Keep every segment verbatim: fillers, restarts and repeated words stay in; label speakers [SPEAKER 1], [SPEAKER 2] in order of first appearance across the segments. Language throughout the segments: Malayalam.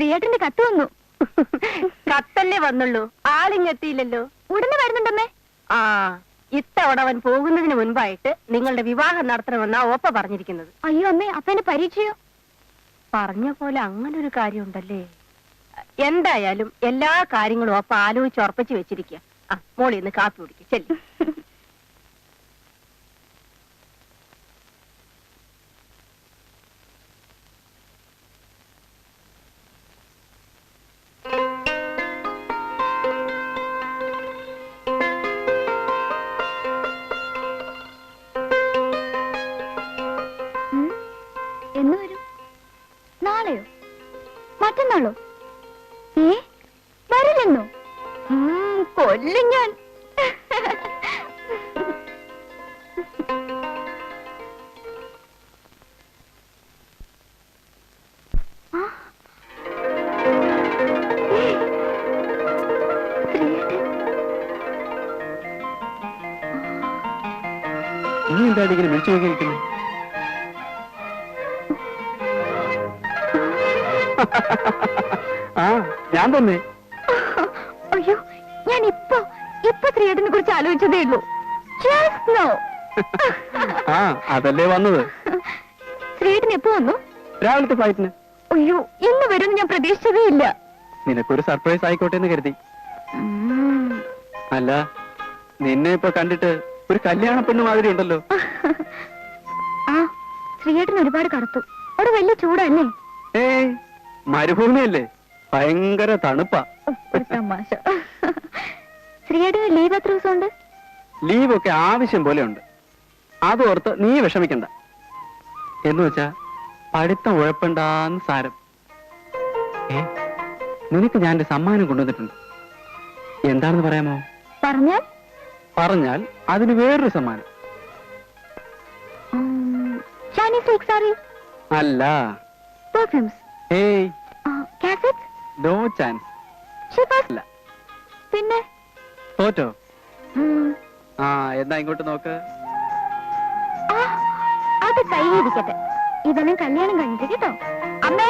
[SPEAKER 1] ശ്രീയേട്ടന്റെ കത്ത് വന്നു.
[SPEAKER 2] കത്തല്ലേ വന്നുള്ളൂ, ആളിങ്ങെത്തിയില്ലല്ലോ.
[SPEAKER 1] ഉടനെ വരുന്നുണ്ടമ്മേ.
[SPEAKER 2] ആ, ഇത്തവണ അവൻ പോകുന്നതിന് മുൻപായിട്ട് നിങ്ങളുടെ വിവാഹം നടത്തണമെന്നാ ഓപ്പ പറഞ്ഞിരിക്കുന്നത്.
[SPEAKER 1] അയ്യോ അമ്മേ, അപ്പന്റെ പരീക്ഷയോ?
[SPEAKER 2] പറഞ്ഞ പോലെ അങ്ങനെ ഒരു കാര്യമുണ്ടല്ലേ. എന്തായാലും എല്ലാ കാര്യങ്ങളും ഓപ്പ ആലോചിച്ച് ഉറപ്പിച്ചു വെച്ചിരിക്കുക. ആ, മോളി ഇന്ന് കാപ്പി കുടിക്കും, ചെല്ലി.
[SPEAKER 1] എന്ന് വരും? നാളെയോ മറ്റന്നാളോ? ഏ, വരില്ലെന്നോ? കൊല്ലും ഞാൻ.
[SPEAKER 3] നീ എന്താ ഇങ്ങനെ വിളിച്ചു നോക്കിയിരിക്കുന്നു? ആ, ഞാൻ തന്നെ.
[SPEAKER 1] അയ്യോ, ഞാൻ ഇപ്പൊ ഇപ്പൊ ശ്രീയേട്ടനെ കുറിച്ച് ആലോചിച്ചതേ ഉള്ളൂ.
[SPEAKER 3] ആ, അതല്ലേ വന്നത്.
[SPEAKER 1] ശ്രീയേട്ടൻ എപ്പോ വന്നു?
[SPEAKER 3] രാവിലത്തെ ഫ്ലൈറ്റിന്.
[SPEAKER 1] അയ്യോ, ഇന്ന് വരുമെന്ന് ഞാൻ പ്രതീക്ഷിച്ചതേ ഇല്ല.
[SPEAKER 3] നിനക്കൊരു സർപ്രൈസ് ആയിക്കോട്ടെ എന്ന് കരുതി. അല്ല, നിന്നെ ഇപ്പൊ കണ്ടിട്ട് ഒരു കല്യാണ പെണ്ണ് മാതിരി ഉണ്ടല്ലോ.
[SPEAKER 1] ആ, ശ്രീയേട്ടൻ ഒരുപാട് കറുത്തു. അവിടെ വലിയ ചൂടല്ലേ?
[SPEAKER 3] ഏയ്, മരുഭൂമിയല്ലേ, ഭയങ്കര തണുപ്പാ.
[SPEAKER 1] തമാശ. ശ്രീയേട്ടന് ലീവ് എത്ര ദിവസം ഉണ്ട്?
[SPEAKER 3] ലീവൊക്കെ ആവശ്യം പോലെ ഉണ്ട്. അതോർത്ത് നീ വിഷമിക്കണ്ട. എന്ന് വെച്ചാ പഠിത്തം ഉഴപ്പണ്ടാന്ന് സാരം. ഏ, നിനക്ക് ഞാൻ എന്റെ സമ്മാനം കൊണ്ടുവന്നിട്ടുണ്ട്. എന്താണെന്ന് പറയാമോ?
[SPEAKER 1] പറഞ്ഞാൽ
[SPEAKER 3] പറഞ്ഞാൽ അതിന് വേറൊരു സമ്മാനം. അല്ല,
[SPEAKER 1] പെർഫ്യൂംസ്.
[SPEAKER 3] ഏയ്,
[SPEAKER 1] കാസറ്റ്സ്.
[SPEAKER 3] No chance. അല്ല.
[SPEAKER 1] പിന്നെ
[SPEAKER 3] തോറ്റോ? ആ, എന്നാ ഇങ്ങോട്ട് നോക്ക്.
[SPEAKER 1] അത് കൈയിരിക്കട്ടെ. ഇതെല്ലാം കല്യാണം കഴിഞ്ഞിട്ട് കേട്ടോ. അമ്മേ,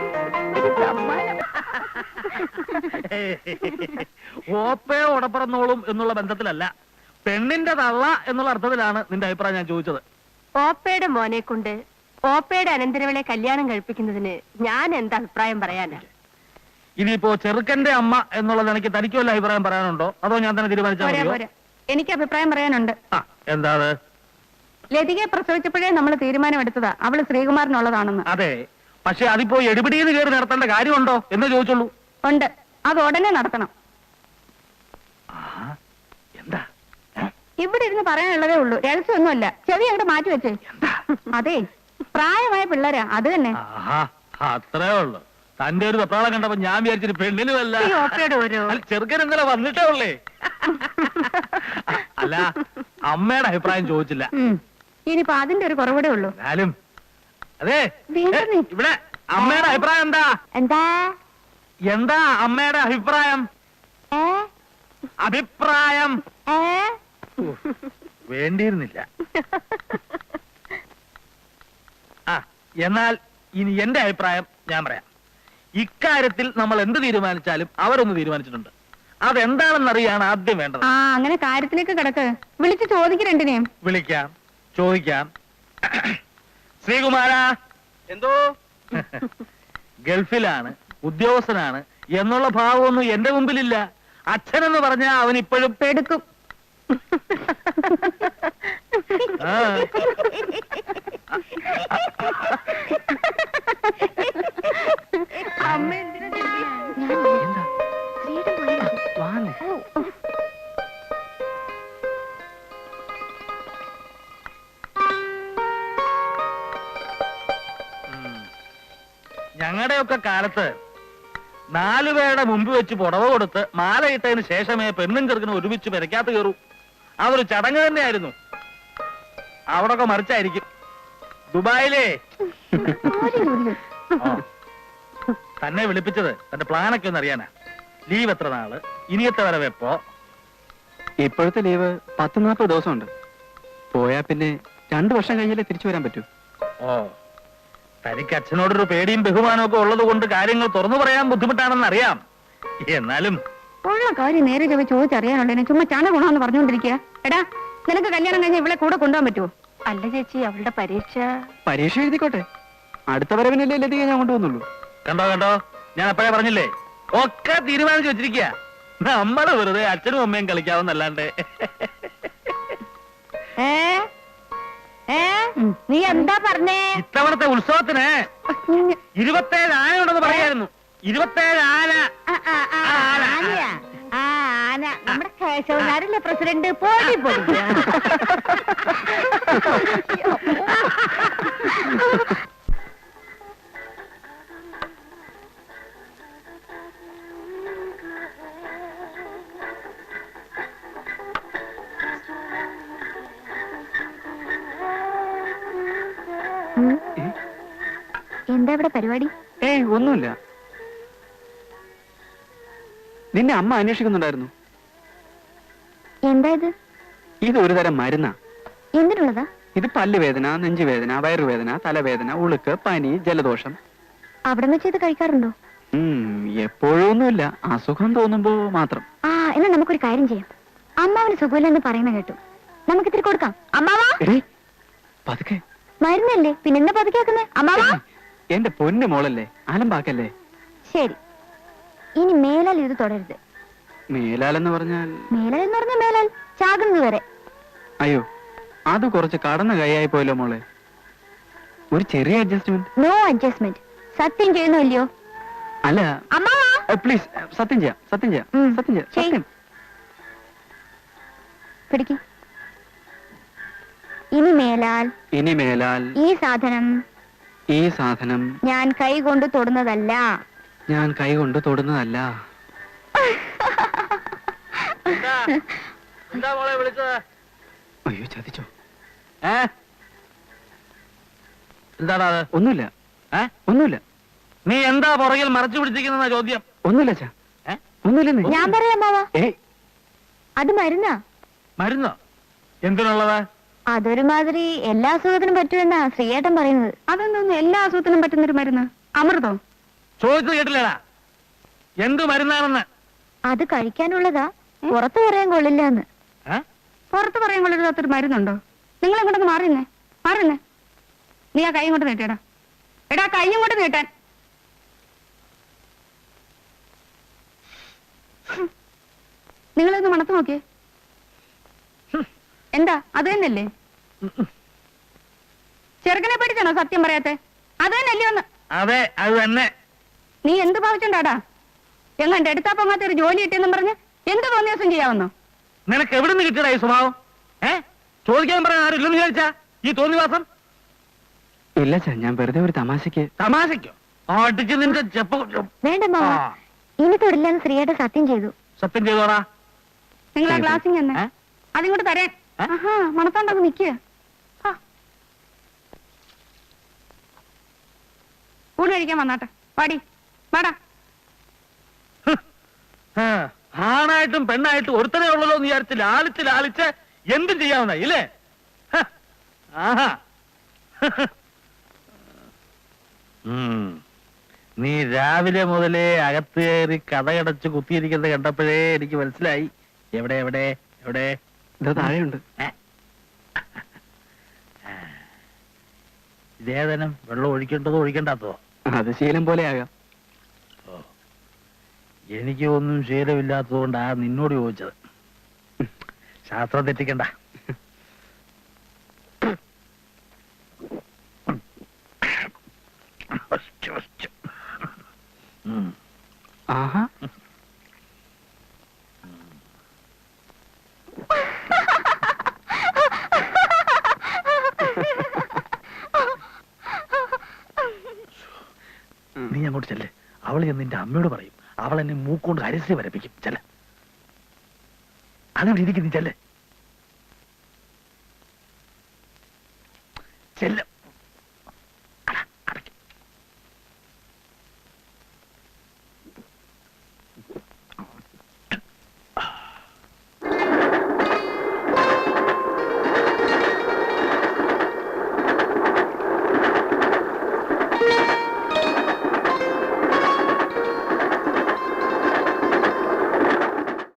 [SPEAKER 4] ഓപ്പയോ ഉടപ്പറന്നോളും എന്നുള്ള ബന്ധത്തിലല്ല, പെണ്ണിന്റെ തള്ള എന്നുള്ള അർത്ഥത്തിലാണ് നിന്റെ അഭിപ്രായം ഞാൻ ചോദിച്ചത്.
[SPEAKER 2] ഓപ്പയുടെ മോനെ കൊണ്ട് ഓപ്പയുടെ അനന്തരവളെ കല്യാണം കഴിപ്പിക്കുന്നതിന് ഞാൻ എന്താ അഭിപ്രായം പറയാനാ?
[SPEAKER 4] ഇനിയിപ്പോ ചെറുക്കന്റെ അമ്മ എന്നുള്ളത് എനിക്ക് തനിക്ക് വല്ല അഭിപ്രായം പറയാനുണ്ടോ, അതോ ഞാൻ തന്നെ തീരുമാനിച്ചാൽ?
[SPEAKER 1] എനിക്ക് അഭിപ്രായം പറയാനുണ്ട്.
[SPEAKER 4] എന്താ അത്?
[SPEAKER 1] ലതികയെ പ്രസവിച്ചപ്പോഴേ നമ്മൾ തീരുമാനമെടുത്തതാ അവള് ശ്രീകുമാറിനുള്ളതാണെന്ന്.
[SPEAKER 4] അതെ, പക്ഷെ അതിപ്പോ എടുപിടിയിൽ കയറി നടത്തേണ്ട കാര്യമുണ്ടോ എന്ന് ചോദിച്ചുള്ളൂ.
[SPEAKER 1] ഉണ്ട്, അത് ഉടനെ നടത്തണം.
[SPEAKER 4] എന്താ
[SPEAKER 1] ഇവിടെ ഇരുന്ന് പറയാനുള്ളതേ ഉള്ളൂ, രഹസ്യമൊന്നുമല്ല. ചെവി അങ്ങോട്ട് മാറ്റി വെച്ചേ. അതെ, പ്രായമായ പിള്ളേരാ, അത് തന്നെ.
[SPEAKER 4] അത്രേ ഉള്ളു. തന്റെ ഒരു വെപ്രാളം കണ്ടപ്പോ ഞാൻ വിചാരിച്ചിട്ട് പെണ്ണിനുമല്ല, ചെറുക്കൻ ഇന്നലെ വന്നിട്ടേ ഉള്ളേ. അല്ല, അമ്മയുടെ അഭിപ്രായം ചോദിച്ചില്ല.
[SPEAKER 1] ഇനിയിപ്പോ അതിന്റെ ഒരു കുറവൂടെ ഉള്ളൂ.
[SPEAKER 4] എന്നാലും അതെ, ഇവിടെ അമ്മയുടെ അഭിപ്രായം എന്താ?
[SPEAKER 1] എന്താ
[SPEAKER 4] എന്താ അമ്മയുടെ അഭിപ്രായം? അഭിപ്രായം വേണ്ടിയിരുന്നില്ല. ആ, എന്നാൽ ഇനി എന്റെ അഭിപ്രായം ഞാൻ പറയാം. ഇക്കാര്യത്തിൽ നമ്മൾ എന്ത് തീരുമാനിച്ചാലും അവരൊന്ന് തീരുമാനിച്ചിട്ടുണ്ട്. അതെന്താണെന്നറിയാണ് ആദ്യം വേണ്ടത്.
[SPEAKER 1] ആ, അങ്ങനെ കാര്യത്തിലേക്ക് കിടക്ക്. വിളിച്ച് ചോദിക്ക് രണ്ടിനെയും.
[SPEAKER 4] വിളിക്കാം, ചോദിക്കാം. ശ്രീകുമാര,
[SPEAKER 3] എന്തോ
[SPEAKER 4] ഗൾഫിലാണ്, ഉദ്യോഗസ്ഥനാണ് എന്നുള്ള ഭാവമൊന്നും എന്റെ മുമ്പിലില്ല. അച്ഛനെന്ന് പറഞ്ഞാൽ അവൻ ഇപ്പോഴും
[SPEAKER 1] പെടുക്കും.
[SPEAKER 4] ആ,
[SPEAKER 1] അമ്മ
[SPEAKER 4] ഞങ്ങളുടെയൊക്കെ കാലത്ത് നാലുപേരുടെ മുമ്പ് വെച്ച് പുടവ കൊടുത്ത് മാലയിട്ടതിന് ശേഷമേ പെണ്ണും ചെറുക്കനും ഒരുമിച്ച് പെരക്കാത്ത കയറൂ. അതൊരു ചടങ്ങ് തന്നെയായിരുന്നു. അവിടൊക്കെ മറിച്ചായിരിക്കും. ദുബായിലേ തന്നെ വിളിപ്പിച്ചത് തന്റെ പ്ലാനൊക്കെ ഒന്ന് അറിയാനാ. ലീവ് എത്ര നാള്, ഇനിയത്തെ വരെ വെപ്പോ?
[SPEAKER 3] ഇപ്പോഴത്തെ ലീവ് പത്ത് നാൽപ്പത് ദിവസമുണ്ട്. പോയാ പിന്നെ രണ്ടു വർഷം കഴിഞ്ഞാലേ തിരിച്ചു വരാൻ പറ്റൂ.
[SPEAKER 4] ഓ, തനിക്ക് അച്ഛനോടൊരു പേടിയും ബഹുമാനവും ഒക്കെ ഉള്ളത് കൊണ്ട് കാര്യങ്ങൾ തുറന്നു പറയാൻ ബുദ്ധിമുട്ടാണെന്ന് അറിയാം. എന്നാലും
[SPEAKER 1] ഉള്ള കാര്യം നേരെ ചൊവ്വേ ചോദിച്ചറിയാനുള്ളതിനെ ചുമ്മാ ചാണ ഗുണമെന്ന് പറഞ്ഞുകൊണ്ടിരിക്കുക. എടാ, നിനക്ക് കല്യാണം കഴിഞ്ഞ് ഇവിടെ കൂടെ കൊണ്ടുപോകാൻ പറ്റുമോ?
[SPEAKER 2] അല്ല ചേച്ചി, അവളുടെ പരീക്ഷ
[SPEAKER 3] പരീക്ഷ എഴുതിക്കോട്ടെ, അടുത്ത വരവിനല്ലേ ലതിക ഞാൻ കൊണ്ടുവന്നുള്ളൂ.
[SPEAKER 4] കണ്ടോ കണ്ടോ, ഞാൻ അപ്പഴേ പറഞ്ഞില്ലേ, ഒക്കെ തീരുമാനിച്ചു വെച്ചിരിക്കുക. നമ്മള് വെറുതെ അച്ഛനും അമ്മയും കളിക്കാവുന്നല്ലാണ്ട്.
[SPEAKER 2] ഏ ഏ നീ എന്താ പറഞ്ഞേ?
[SPEAKER 4] ഇത്തവണത്തെ ഉത്സവത്തിന് ഇരുപത്തേഴ് ആന ഉണ്ടെന്ന് പറയായിരുന്നു. ഇരുപത്തേഴ് ആന.
[SPEAKER 2] ആനയാ? ആ ആന നമ്മുടെ കേശവനാരല്ലേ പ്രസിഡന്റ്? പോയി പോയി.
[SPEAKER 1] എന്താ ഇവിടെ പരിപാടി?
[SPEAKER 3] ഏയ് ഒന്നുമില്ല. നിന്നെ അമ്മ അന്വേഷിക്കുന്നുണ്ടായിരുന്നു.
[SPEAKER 1] എന്താ ഇത്?
[SPEAKER 3] ഇത് ഒരു തരം മരുന്നാ.
[SPEAKER 1] എന്തിനുള്ളതാ?
[SPEAKER 3] ഇത് പല്ലുവേദന, നെഞ്ചുവേദന, വയറുവേദന, തലവേദന, ഉളുക്ക്, പനി, ജലദോഷം.
[SPEAKER 1] അവിടെ വെച്ച് ഇത് കഴിക്കാറുണ്ടോ?
[SPEAKER 3] ഉം എപ്പോഴൊന്നുമില്ല, അസുഖം തോന്നുമ്പോ മാത്രം.
[SPEAKER 1] ആ, എന്നാ നമുക്കൊരു കാര്യം ചെയ്യാം. അമ്മാവിന് സുഖമില്ലെന്ന് പറയുന്ന കേട്ടു. നമുക്ക് ഇത്തിരി കൊടുക്കാം. അമ്മാവാ,
[SPEAKER 3] എടീ, പതുക്കെ.
[SPEAKER 1] മരുന്നല്ലേ, പിന്നെന്താ പതുക്കാക്കുന്നേ? അമ്മാവാ,
[SPEAKER 3] എന്റെ പൊന്നു മോളല്ലേ, അലമ്പാക്കല്ലേ.
[SPEAKER 1] ശരി, ഇനി മേലാൽ ഇത് തുടരുത്.
[SPEAKER 3] മേലാലെന്ന് പറഞ്ഞാൽ?
[SPEAKER 1] മേലാൽ എന്ന് പറഞ്ഞ മേലാൽ ചാകുന്നത് വരെ.
[SPEAKER 3] അയ്യോ, അത് കുറച്ച് കടന്ന കൈയായി പോയല്ലോ മോളെ. ഒരു ചെറിയ അഡ്ജസ്റ്റ്മെന്റ്.
[SPEAKER 1] No adjustment. സത്യം ചെയ്യുന്നു ഇല്ലയോ?
[SPEAKER 3] അല്ല
[SPEAKER 1] അമ്മാവാ,
[SPEAKER 3] പ്ലീസ്, സത്യം ചെയ്യാം, സത്യം ചെയ്യാം,
[SPEAKER 1] ഉം,
[SPEAKER 3] സത്യം ചെയ്യാം,
[SPEAKER 1] ചെയ്യ്.
[SPEAKER 3] സത്യം.
[SPEAKER 1] പിടിക്ക്. ഇനി മേലാൽ
[SPEAKER 3] ഇനി മേലാൽ
[SPEAKER 1] ഈ സാധനം
[SPEAKER 3] ഈ സാധനം
[SPEAKER 1] ഞാൻ കൈ കൊണ്ട് തൊടുന്നതല്ല.
[SPEAKER 3] ഞാൻ കൈ കൊണ്ട് തൊടുന്നതല്ല.
[SPEAKER 4] എന്താ എന്താ മോളെ വിളിച്ചത്?
[SPEAKER 3] അയ്യോ, ചതിച്ചോ?
[SPEAKER 4] ഏ എന്താടാ അത്?
[SPEAKER 3] ഒന്നുമില്ല,
[SPEAKER 4] ഏ
[SPEAKER 3] ഒന്നുമില്ല,
[SPEAKER 4] നീ എന്താ പുറകിൽ മറച്ചു പിടിച്ചിരിക്കുന്ന ചോദ്യം?
[SPEAKER 3] ഒന്നുമില്ല അച്ഛാ,
[SPEAKER 4] ഏ
[SPEAKER 3] ഒന്നുമില്ലെന്നേ.
[SPEAKER 1] ഞാൻ പറയാം അമ്മാവാ,
[SPEAKER 3] ഏയ്,
[SPEAKER 1] അത് മരുന്നാ.
[SPEAKER 4] മരുന്നോ? എന്തിനുള്ളതാ?
[SPEAKER 1] അതൊരുമാതിരി എല്ലാ അസുഖത്തിനും പറ്റുമെന്നാ ശ്രീയേട്ടൻ പറയുന്നത്. അതൊന്നും എല്ലാ അസുഖത്തിനും പറ്റുന്നൊരു മരുന്ന്? അമൃതോ?
[SPEAKER 4] ചോദിച്ചത് കേട്ടില്ലടാ, എന്ത് മരുന്നാണെന്ന്.
[SPEAKER 1] അത് കഴിക്കാനുള്ളതാ, പുറത്തു പറയാൻ കൊള്ളില്ല എന്ന്.
[SPEAKER 4] ഏ?
[SPEAKER 1] പുറത്ത് പറയാൻ കൊള്ളില്ലാത്തൊരു മരുന്നുണ്ടോ? നിങ്ങൾ ഇങ്ങോട്ടൊന്ന് മാറിയുന്നേ, മാറിയുന്നേ. നീ ആ കൈ കൊണ്ട് നീട്ടിയടാ. എടാ, കൈയും കൊണ്ട് നീട്ടാൻ. നിങ്ങളൊന്ന് മണത്ത് നോക്കിയേ. എന്താ, അത് തന്നെയല്ലേ? ചെറുക്കനെ പേടിച്ചാണോ സത്യം പറയാത്തെ? അത് തന്നെയല്ലേ ഒന്ന്?
[SPEAKER 4] അതെ, അത് തന്നെ.
[SPEAKER 1] നീ എന്ത് ഭാവിച്ചുണ്ടാടാ? എങ്ങാണ്ട് എടുത്താ പൊങ്ങാത്ത ഒരു ജോലി കിട്ടിയെന്നും പറഞ്ഞ് എന്ത് തോന്നിയ ദിവസം ചെയ്യാവുന്നോ?
[SPEAKER 4] നിനക്ക് എവിടെ നിന്ന് കിട്ടിയടാ ഈ സ്വഭാവം? ഏ ചോദിക്കാൻ പറയാൻ ആരും ഇല്ലെന്ന് വിചാരിച്ചാ ഈ തോന്നിവാസം?
[SPEAKER 3] ഇല്ല അച്ഛാ, ഞാൻ വെറുതെ ഒരു തമാശക്ക്.
[SPEAKER 4] തമാശയ്ക്കോ? അടിച്ച് നിന്റെ ചെപ്പ.
[SPEAKER 1] വേണ്ട മാവ, ഇനി തൊടില്ലെന്ന് ശ്രീയേട്ടൻ സത്യം ചെയ്തു.
[SPEAKER 4] സത്യം ചെയ്തോടാ.
[SPEAKER 1] നിങ്ങൾ ആ ഗ്ലാസിങ് തന്നെ
[SPEAKER 4] ഏ?
[SPEAKER 1] അതിങ്ങോട്ട് തരാൻ.
[SPEAKER 4] ഏ?
[SPEAKER 1] ആഹാ, മണത്തോണ്ടങ്ങ് നിക്കുക. ഊണ് കഴിക്കാൻ വന്നാട്ടെ. പാടി വാടാ.
[SPEAKER 4] ആ, ആണായിട്ടും പെണ്ണായിട്ടും ഒരുത്തനെ ഉള്ളല്ലോ എന്ന് വിചാരിച്ച് ലാളിച്ച് ലാളിച്ച് എന്തും ചെയ്യാവുന്ന ഇല്ലേ? ഹ, ആഹാ. ഉം. നീ രാവിലെ മുതലേ അകത്ത് കയറി കഥകടച്ച് കുത്തിയിരിക്കുന്നത് കണ്ടപ്പോഴേ എനിക്ക് മനസ്സിലായി. എവിടെ എവിടെ എവിടെ?
[SPEAKER 3] ഇത് താഴെയുണ്ട്.
[SPEAKER 4] ഏ? ഇതേതനം വെള്ളം ഒഴിക്കേണ്ടതോ ഒഴിക്കേണ്ടാത്തതോ?
[SPEAKER 3] അത് ശീലം പോലെ ആകാം.
[SPEAKER 4] എനിക്ക് ഒന്നും ശീലമില്ലാത്തതുകൊണ്ടാ നിന്നോട് ചോദിച്ചത്. ശാസ്ത്രം തെറ്റിക്കണ്ട.
[SPEAKER 3] ആഹാ,
[SPEAKER 4] നീ അങ്ങോട്ട് ചെല്ലേ. അവൾ ചെന്ന് നിന്റെ അമ്മയോട് പറയും. അവൾ എന്നെ മൂക്കൊണ്ട് അരസി വരപ്പിക്കും. ചെല്ല, അതിവിടെ ഇരിക്കും. നീ ചെല്ലേ.